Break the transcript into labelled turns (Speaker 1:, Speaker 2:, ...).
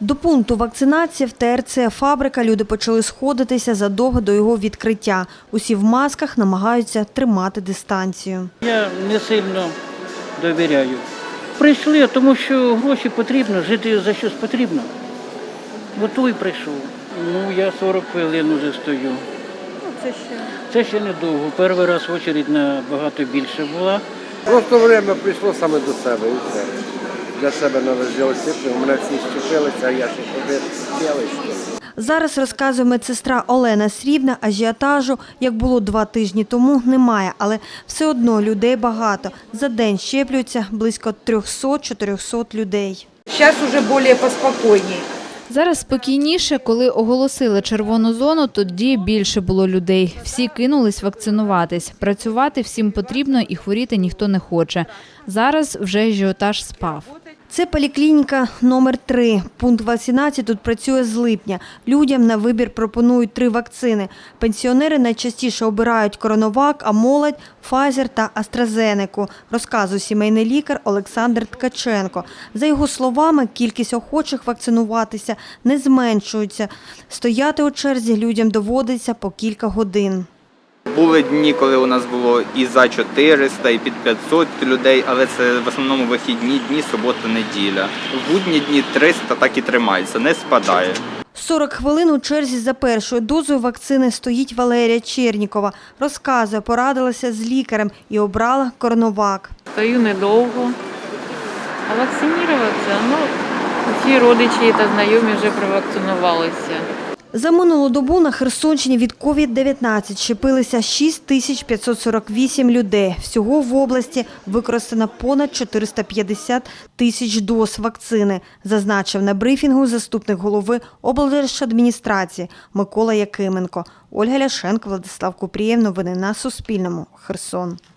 Speaker 1: До пункту вакцинації в ТРЦ «Фабрика» люди почали сходитися задовго до його відкриття. Усі в масках намагаються тримати дистанцію.
Speaker 2: Я не сильно довіряю. Прийшли, тому що гроші потрібно, жити за щось потрібно. Готовий прийшов. Я 40 хвилин вже стою. Це ще недовго. Перший раз очередь набагато більше була.
Speaker 3: Просто время прийшло саме до себе і все. Для себе треба зробити. У мене всі щепилися, а я ще хотів.
Speaker 1: Зараз, розказує медсестра Олена Срібна, ажіотажу, як було 2 тижні тому, немає. Але все одно людей багато. За день щеплюються близько 300-400 людей.
Speaker 4: Зараз вже більш поспокійніше.
Speaker 5: Зараз спокійніше, коли оголосили червону зону, тоді більше було людей. Всі кинулись вакцинуватись. Працювати всім потрібно і хворіти ніхто не хоче. Зараз вже ажіотаж спав.
Speaker 1: Це поліклініка номер 3. Пункт вакцинації тут працює з липня. Людям на вибір пропонують 3 вакцини. Пенсіонери найчастіше обирають Коронавак, а молодь – Pfizer та AstraZeneca, розказує сімейний лікар Олександр Ткаченко. За його словами, кількість охочих вакцинуватися не зменшується. Стояти у черзі людям доводиться по кілька годин.
Speaker 6: Були дні, коли у нас було і за 400, і під 500 людей, але це в основному вихідні дні, субота, неділя. В будні дні 300 так і тримається, не спадає.
Speaker 1: 40 хвилин у черзі за першою дозою вакцини стоїть Валерія Чернікова. Розказує, порадилася з лікарем і обрала Коронавак.
Speaker 7: Стою недовго, а вакцинуватися, всі родичі та знайомі вже провакцинувалися.
Speaker 1: За минулу добу на Херсонщині від COVID-19 щепилися 6548 людей. Всього в області використано понад 450 тисяч доз вакцини, зазначив на брифінгу заступник голови облдержадміністрації Микола Якименко. Ольга Ляшенко, Владислав Купрієв. Новини на Суспільному. Херсон.